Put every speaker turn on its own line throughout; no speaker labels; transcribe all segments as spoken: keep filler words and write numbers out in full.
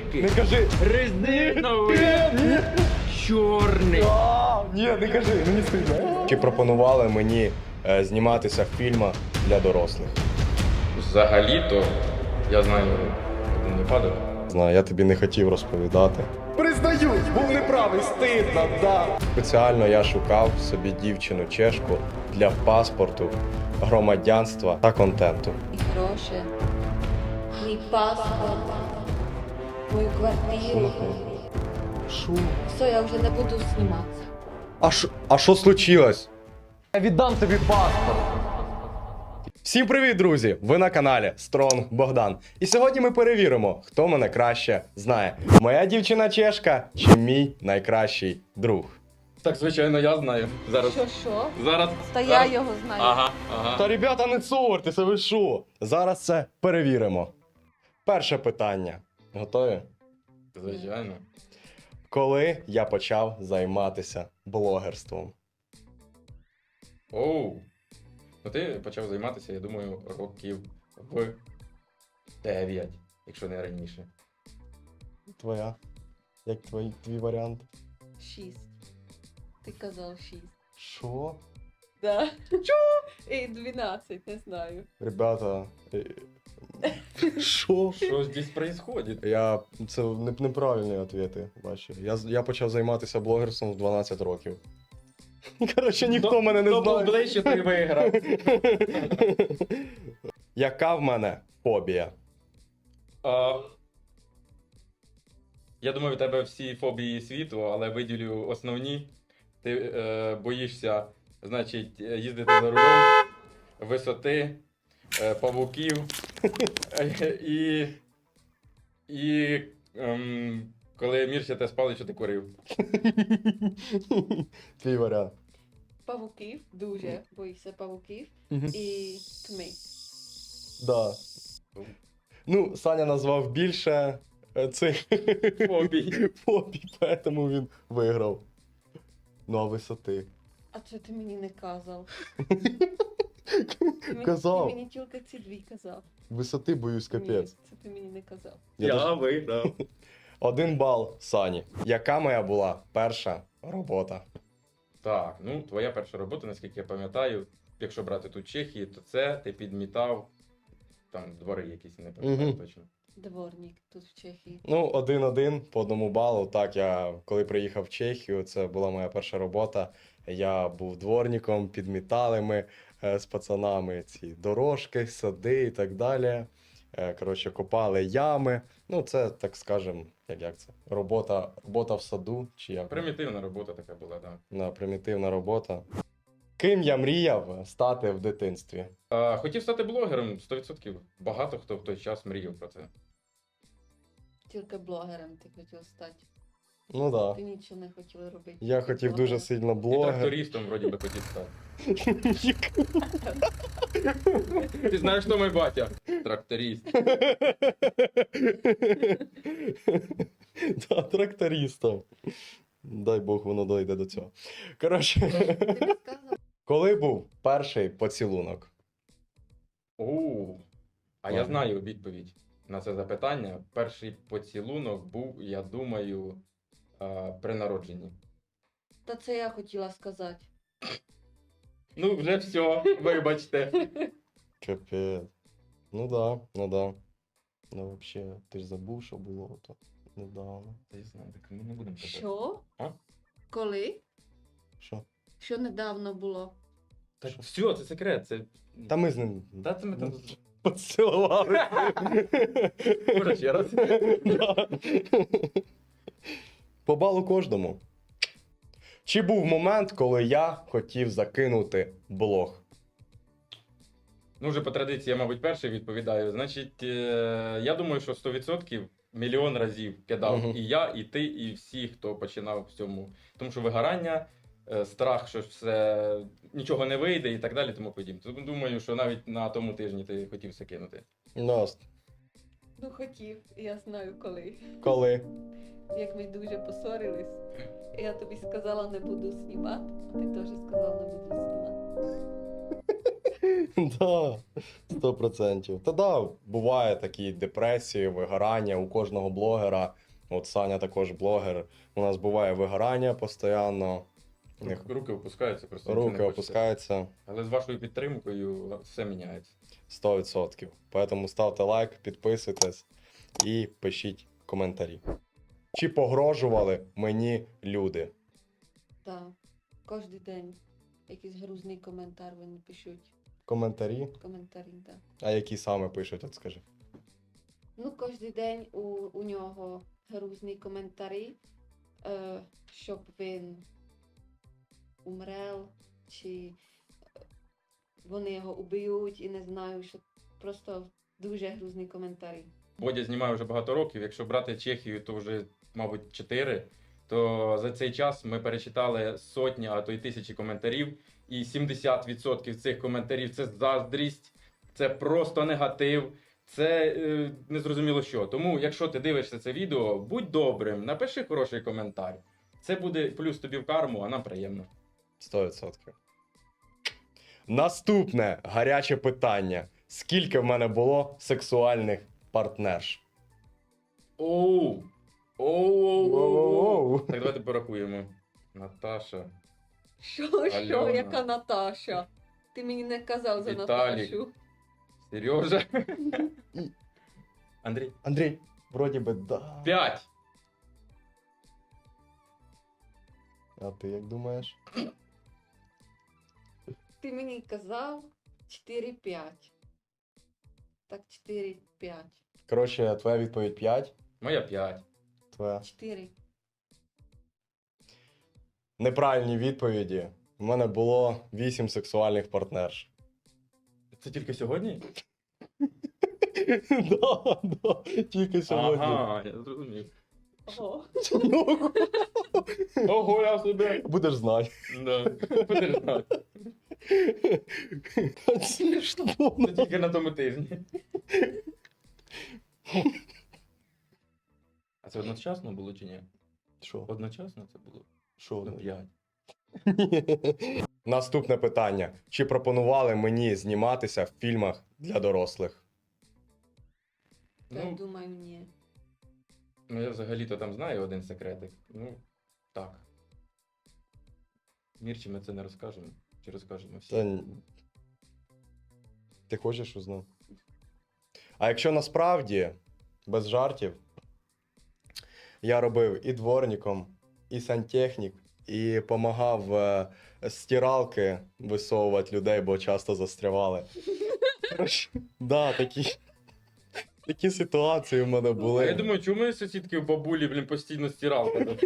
великий,
Не кажи.
резиновий, чорний.
А, ні, не кажи, мені стидно. Чи пропонували мені е, зніматися в фільмах для дорослих?
Взагалі-то, я знаю один випадок.
Знаю, я тобі не хотів розповідати. Признаюсь, був неправий, стидно, да. Спеціально я шукав собі дівчину чешку для паспорту, громадянства та контенту.
І гроші, мій паспорт, мою квартиру.
Шо?
Все, я вже не буду зніматися.
А що а що случилось? Я віддам тобі паспорт. Всім привіт, друзі! Ви на каналі Стронг Богдан. І сьогодні ми перевіримо, хто мене краще знає. Моя дівчина чешка чи мій найкращий друг.
Так, звичайно, я знаю. Зараз.
Що, що?
Зараз.
Та я
зараз.
його знаю.
Ага, ага.
Та, ребята, не цуртеся, ви що? Зараз це перевіримо. Перше питання. Готові?
Звичайно.
Коли я почав займатися блогерством?
Оу. Ну ти почав займатися, я думаю, років в дев'ять, якщо не раніше.
Твоя? Як твій, твій варіант?
Шість. Ти казав шість.
Що?
Да. Чо? І дванадцять, не знаю.
Ребята. е, Що?
Що здесь происходит?
Я. Це не, неправильні відповіді, бачу. Я, з- я почав займатися блогерством в дванадцять років. Коротше, ніхто
Хто-
мене не
хто був
знає.
ближче, той виграв.
Яка в мене фобія?
А, я думаю, в тебе всі фобії світу, але виділю основні. Ти е, боїшся, значить, їздити за рулем, висоти, е, павуків е, і, і ем, коли Мірся те спали, що ти курив.
Твій варіант.
Павуків, дуже боюся павуків.
Мгм.
І тьми.
Да. Ну, Саня назвав більше е, цих
Фобій.
фобій, тому він виграв. Ну, а висоти.
А це ти мені не казав. Ти мені-
Казав.
Ти мені тільки ці дві казав.
Висоти боюсь капець.
Ні, це ти мені не казав.
Я
Я
теж-
виграв.
Один бал Сані. Яка моя була перша робота?
Так, ну твоя перша робота, наскільки я пам'ятаю, якщо брати тут Чехії, то це ти підмітав там двори якісь, не пам'ятаю
Мгм.
точно.
Дворник тут в Чехії.
Ну, один-один по одному балу. Так, я коли приїхав в Чехію, це була моя перша робота. Я був дворником, підмітали ми е, з пацанами ці дорожки, сади і так далі. Е, коротше, копали ями. Ну, це, так скажем, як, як це? Робота, робота в саду, чи як?
Примітивна робота така була, так.
На примітивна робота. Ким я мріяв стати в дитинстві?
А, хотів стати блогером, сто відсотків. Багато хто в той час мріяв про це.
Тільки блогером ти хотів стати.
Ну так. Да.
Ти нічого не хотіла робити.
Я
тільки
хотів
блогером.
дуже сильно
І
блогер.
трактористом, вроді би, хотів стати. Ти знаєш, хто мій батя? Тракторист.
Да, трактористом. Дай Бог, воно дойде до цього. Коротше,
Ти не сказав.
коли був перший поцілунок?
Оу. А я
Ладно.
знаю відповідь на це запитання. Перший поцілунок був, я думаю, а, при народженні.
Та це я хотіла сказати.
Ну, вже все, вибачте.
Капець. Ну да, ну да. Ну взагалі, ти ж забув, що було то недавно.
Та я знаю, так ми не будемо казати.
Що?
А?
Коли?
Що?
Що недавно було?
Так, все, це секрет. Це...
Та ми з ним
Та це ми там...
поцілували.
Може, ще раз?
Да. По балу кожному. Чи був момент, коли я хотів закинути блог?
Ну, вже по традиції, я, мабуть, перший відповідаю. Значить, е, я думаю, що сто відсотків мільйон разів кидав
Мгм.
і я, і ти, і всі, хто починав в цьому. Тому що вигорання, е, страх, що все нічого не вийде і так далі, тому подібне. Тому думаю, що навіть на тому тижні ти хотів все кинути.
Наст.
Ну хотів, я знаю коли.
Коли?
Як ми дуже поссорились. Я тобі сказала, не буду знімати, а ти теж сказав, не буду знімати.
Да, сто процентів. Та да, буває такі депресії, вигорання у кожного блогера. От Саня також блогер. У нас буває вигорання постійно. У них
Руки опускаються, просто нічого
руки
не хочеться.
опускаються
Але з вашою підтримкою все міняється.
сто відсотків. Тому ставте лайк, підписуйтесь і пишіть коментарі. Чи погрожували мені люди?
Так. Кожен день якийсь грузний коментар вони пишуть.
Коментарі?
Коментарі, так.
А які саме пишуть, от скажи.
Ну, кожен день у, у нього грузні коментарі, е, щоб він умрел, чи вони його уб'ють і не знаю, що просто дуже грузні коментарі.
Бодя знімає вже багато років. Якщо брати Чехію, то вже, мабуть, чотири. То за цей час ми перечитали сотні, а то й тисячі коментарів. І сімдесят відсотків цих коментарів це заздрість, це просто негатив, це е, незрозуміло що. Тому, якщо ти дивишся це відео, будь добрим, напиши хороший коментар. Це буде плюс тобі в карму, а нам приємно.
сто відсотків. Наступне гаряче питання. Скільки в мене було сексуальних партнерш?
Оу! Оу!
Воу-воу-воу.
Так, давайте порахуємо. Наташа.
Що, що,
Альона.
яка Наташа? Ти мені не казав за
Віталік.
Наташу.
Сережа. Андрій.
Андрій, вроді би, да.
П'ять.
А ти як думаєш?
Ти мені казав чотири-п'ять. Так, чотири-п'ять.
Коротше, твоя відповідь п'ять.
Моя п'ять.
Твоя.
чотири.
Неправильні відповіді. У мене було вісім сексуальних партнерш.
Це тільки сьогодні?
Да, да, тільки сьогодні.
Ага, я зрозумів.
Ого.
Ну,
Ого, я себе.
будеш знати.
Да. Будеш знати.
Смішно.
Це тільки на тому тижні. А це одночасно було чи ні?
Що?
Одночасно це було?
Що?
Ну, п'ять.
Наступне питання. Чи пропонували мені зніматися в фільмах для дорослих?
Я
Ну,
думаю, ні.
ну, я взагалі-то там знаю один секретик. Ну, так. Мірчі ми це не розкажемо. Чи розкажемо всі?
Та ні. Ти хочеш узнати? А якщо насправді, без жартів, я робив і дворником, і сантехнік, і допомагав е, стиралки висовувати людей, бо часто застрявали. Коротше, да, такі, такі ситуації в мене
А
були.
я думаю, чому мої сусідки в бабулі, блін, постійно стиралка?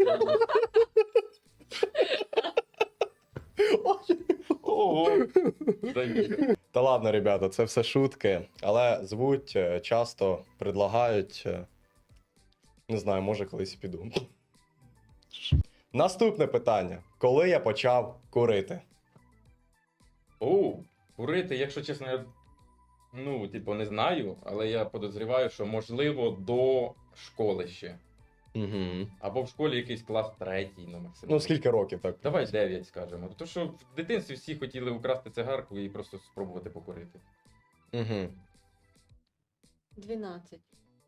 Ого. Та ні.
Та ладно, ребята, це все шутки, але звуть, е, часто предлагають. е, Не знаю, може колись і піду. Наступне питання. Коли я почав курити?
Оу, курити, якщо чесно, я ну, типу, не знаю, але я подозріваю, що можливо до школи ще.
Угу.
Або в школі якийсь клас третій, ну максимум.
Ну, скільки років так?
Давай дев'ять скажемо. Тому що в дитинстві всі хотіли украсти цигарку і просто спробувати покурити.
Угу.
дванадцять.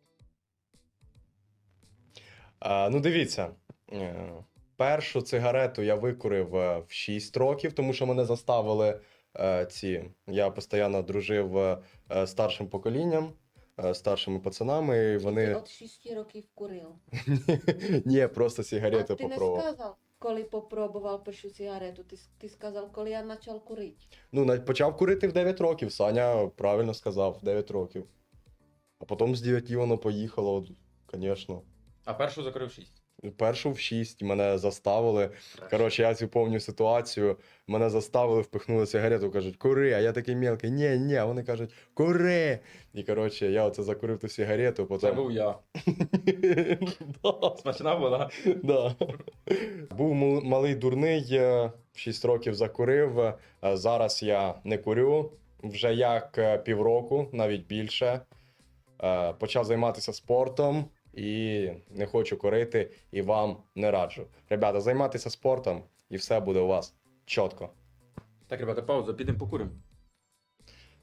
А, ну, дивіться. е, Першу цигарету я викурив е, в шість років, тому що мене заставили е, ці. Я постійно дружив е, е, старшим поколінням, е, старшими пацанами, і
Ти
вони.
от шести років курив.
Ні, просто сигарети
А ти не
попробував.
сказав, коли попробував першу сигарету, ти, с- ти сказав, коли я почав курити.
Ну, на- почав курити в дев'ять років, Саня правильно сказав, в дев'ять років. А потім з дев'яти воно поїхало, звісно.
А першу закрив шість.
Першу в шість мене заставили. Коротше, я цю повню ситуацію. Мене заставили, впихнули сигарету, кажуть, кури, а я такий мелкий, ні, ні, а вони кажуть, кури. І коротше, я оце закурив ту сигарету, потім.
Це був я.
Да,
Смачна була.
да. Був мал- малий дурний, е, в шість років закурив. е, Зараз я не курю. Вже як е, півроку, навіть більше. Е, Почав займатися спортом. І не хочу курити, і вам не раджу. Ребята, займайтеся спортом, і все буде у вас чітко.
Так, ребята, пауза, підемо покуримо.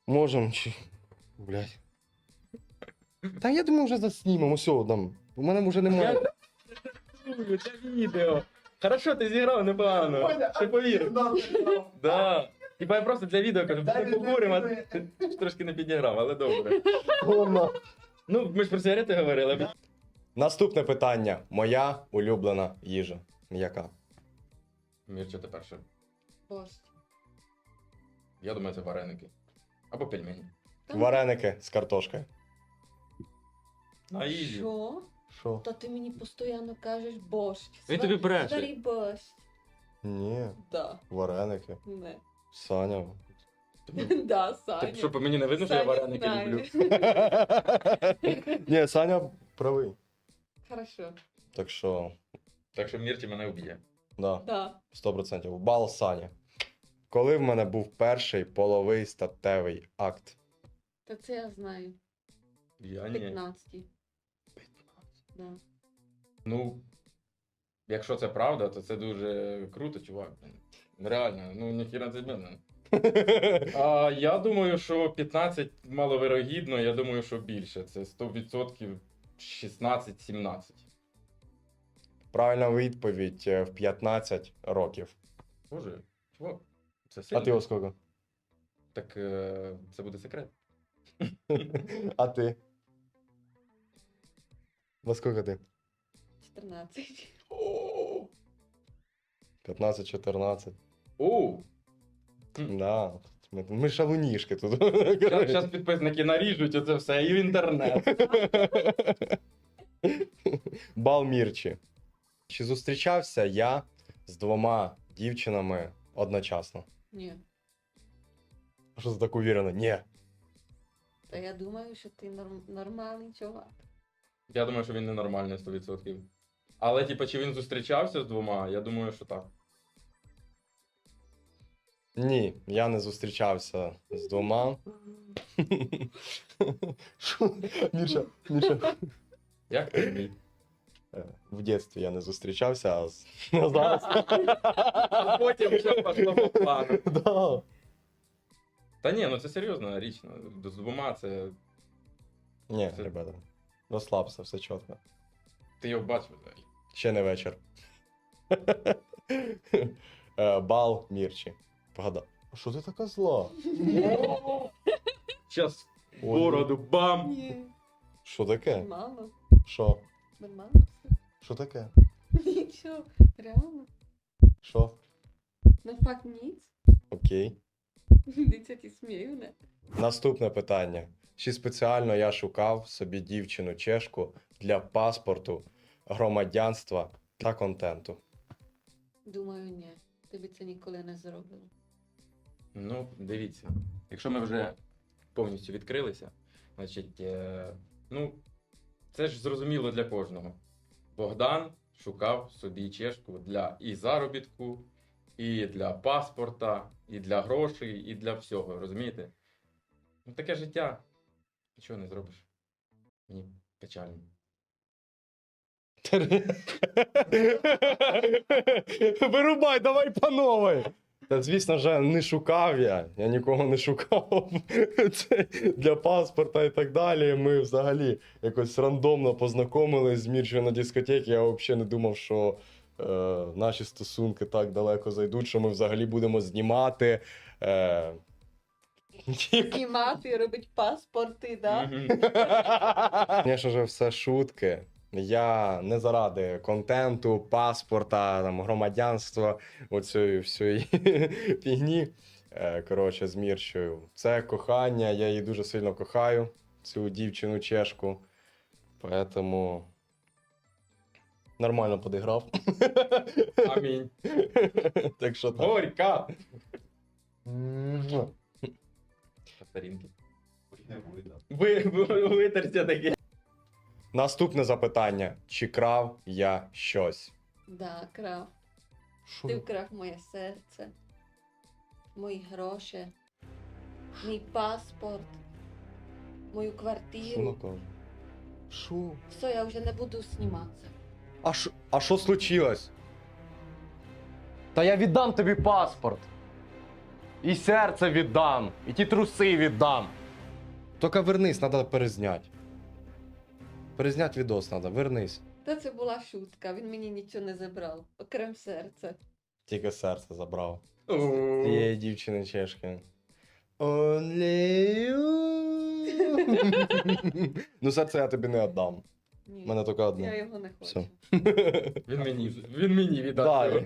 Можем чи. Блядь. Та я думаю, вже заснімемо, все, там. У мене вже немає.
Юлю, це відео. Хорошо, ти зіграв непогано. Ти повірив. Да. Типа я просто для відео кажу, ми поговоримо, а ти трошки не підіграв, але добре. Ну, ми ж про сигарети говорили.
Наступне питання. Моя улюблена їжа. Яка?
Мірча, ти перше.
Борщ.
Я думаю, це вареники. Або пельмені.
Та
Вареники з картошкою.
На ізі.
Що?
Що?
Та ти мені постійно кажеш борщ.
Він тобі бреше.
Старий борщ.
Ні,
Да.
вареники.
Не.
Саня.
Да, Саня.
Так що по мені не видно, що я
Саня
вареники
знає.
люблю.
Ні, Саня правий.
Хорошо.
Так що,
Так що Мірчі мене вб'є.
да,
Да.
сто процентів. Бал Сані. Коли в мене був перший половий статевий акт?
Та це я знаю.
Я ні.
п'ятнадцятий. Да.
Ну, якщо це правда, то це дуже круто, чувак. блін. Реально, ну ніхіра це мене. А я думаю, що п'ятнадцять маловирогідно, я думаю, що більше. Це сто відсотків шістнадцять-сімнадцять.
Правильна відповідь е, в п'ятнадцять років.
Боже, чувак, це
А
сильно.
ти оскільки?
Так е, це буде секрет.
А ти? Во скільки ти?
чотирнадцять.
п'ятнадцять-чотирнадцять.
Оу!
Да. Ми, ми шалунішки тут.
Зараз підписники наріжуть оце все і в інтернет.
Бал Мірчі. Чи зустрічався я з двома дівчинами одночасно?
Ні.
А що ти так уверена? Ні.
Та я думаю, що ти норм... нормальний чувак.
Я думаю, що він ненормальний сто відсотків. Але, типу, чи він зустрічався з двома? Я думаю, що так.
Ні, я не зустрічався з двома. Що? Міша, Міша.
Як ти мій?
Е, В дитинстві я не зустрічався, а з- а зараз.
А потім все пішло по плану.
Да.
Та ні, ну це серйозна річ. ну, З двома це.
Ні,
Це-
ребята, розслабся, все чітко.
Ти його бачив взагалі.
Ще не вечір. Е, Бал Мірчі. Погадай. А що ти така зла?
Щас бороду бам!
Ні.
Що таке?
Нормально.
Що?
Нормально все.
Що таке?
Нічого. Реально.
Що?
На факт ніц.
Окей.
Дитя ті смію, не?
Наступне питання. Чи спеціально я шукав собі дівчину чешку для паспорту, громадянства та контенту?
Думаю, ні. Тобі це ніколи не зробило.
Ну, дивіться. Якщо ми вже повністю відкрилися, значить, е, ну, це ж зрозуміло для кожного. Богдан шукав собі чешку для і заробітку, і для паспорта, і для грошей, і для всього, розумієте? Ну, таке життя. Нічого не зробиш. Мені печально.
Вирубай, давай по новій. Та звісно ж, не шукав я. Я нікого не шукав. Це для паспорта і так далі. Ми взагалі якось рандомно познайомились з Мірчою на дискотеці. Я взагалі не думав, що е, наші стосунки так далеко зайдуть, що ми взагалі будемо знімати. Е,
Знімати, робити паспорти, да?
Мгм.
Звісно ж, все шутки. Я не заради контенту, паспорта, там, громадянства, оцієї всієї фігні. Е, Коротше, з Мірчою. Це кохання, я її дуже сильно кохаю, цю дівчину чешку. Поэтому нормально подіграв.
Амінь.
Так що так.
Горька!
Муа.
Старінки. Ви, ви, витерся таке.
Наступне запитання. Чи крав я щось?
Да, крав.
Що?
Ти вкрав моє серце, мої гроші, мій паспорт, мою
Що
квартиру.
вона каже? Що?
Все, я вже не буду зніматися.
А що, а що случилось? Та я віддам тобі паспорт. І серце віддам, і ті труси віддам. Тільки вернись, треба перезняти. Перезняти відос треба, вернись.
Та це була шутка, він мені нічого не забрав, окрем серця.
Тільки серце забрав.
О,
Цієї дівчини чешки. Only you. Ну, серце я тобі не віддам.
Ні,
У мене тільки
я
одне.
його не хочу.
Все.
Він мені, він мені віддав.
Дай.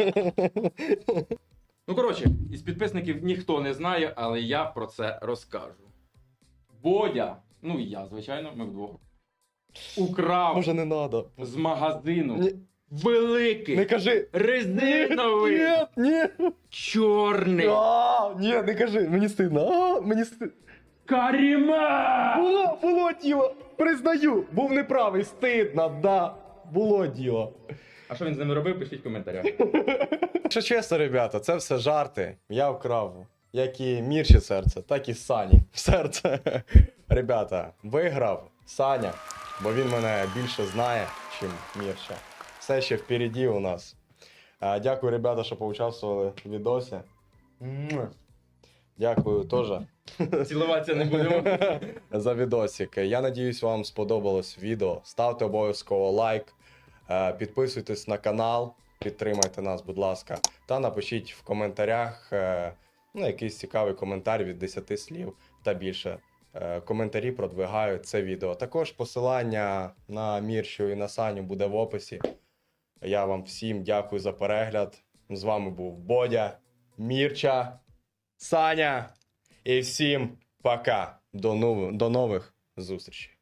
Ну, коротше, із підписників ніхто не знає, але я про це розкажу. Бодя, ну і я, звичайно, ми вдвох, украв
Може не треба.
з магазину
Ні.
великий,
Не кажи.
резиновий,
Ні, ні.
чорний
А, ні, не кажи, мені стидно. А, мені стидно.
каріма!
Було, було діло. Признаю, був неправий, стидно, да. Було діло.
А що він з ними робив, пишіть в коментарях.
Якщо чесно, ребята, це все жарти. Я вкрав як і Мірчі серце, так і Сані серце. Ребята, виграв Саня, бо він мене більше знає, чим Мірча. Все ще впереді у нас. А, Дякую, ребята, що поучаствували в відосі. Муа. Дякую теж
Цілуватися не будемо.
за відосик. Я надіюсь, вам сподобалось відео. Ставте обов'язково лайк, е, підписуйтесь на канал, підтримайте нас, будь ласка, та напишіть в коментарях е, ну, якийсь цікавий коментар від десяти слів та більше. Е, Коментарі продвигають це відео. Також посилання на Мірчу і на Саню буде в описі. Я вам всім дякую за перегляд. З вами був Бодя, Мірча, Саня. І всім пока. До нових, до нових зустрічей.